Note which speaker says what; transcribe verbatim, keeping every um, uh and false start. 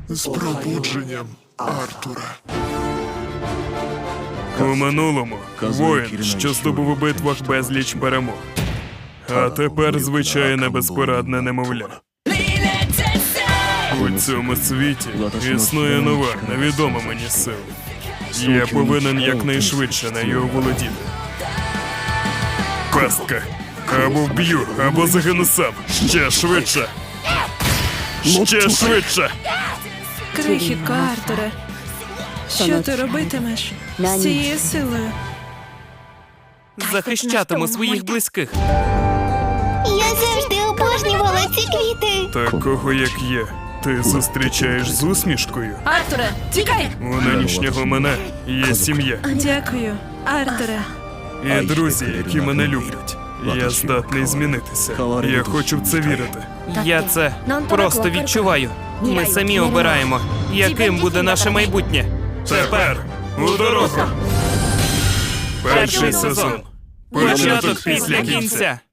Speaker 1: З пробудженням Артура.
Speaker 2: У минулому воїн, що здобув у битвах безліч перемог. А тепер звичайне безпорадне немовля. У цьому світі існує нова, невідома мені сила. Я повинен якнайшвидше нею оволодіти. Пастка. Або вб'ю, або загину сам. Ще швидше. Ще швидше.
Speaker 3: Крихітко Артуре, що ти робитимеш з цією силою?
Speaker 4: Захищатиму своїх близьких.
Speaker 5: Я завжди обожнювала ці квіти.
Speaker 2: Такого, як я, ти зустрічаєш з усмішкою.
Speaker 3: Артуре, тікай!
Speaker 2: У нинішнього мене є сім'я
Speaker 3: Дякую, Артуре.
Speaker 2: і друзі, які мене люблять. Я здатний змінитися. Я хочу в це вірити.
Speaker 4: Я це просто відчуваю. Ми самі обираємо, яким буде наше майбутнє.
Speaker 2: Тепер у дорогу. Перший сезон.
Speaker 4: Початок після кінця.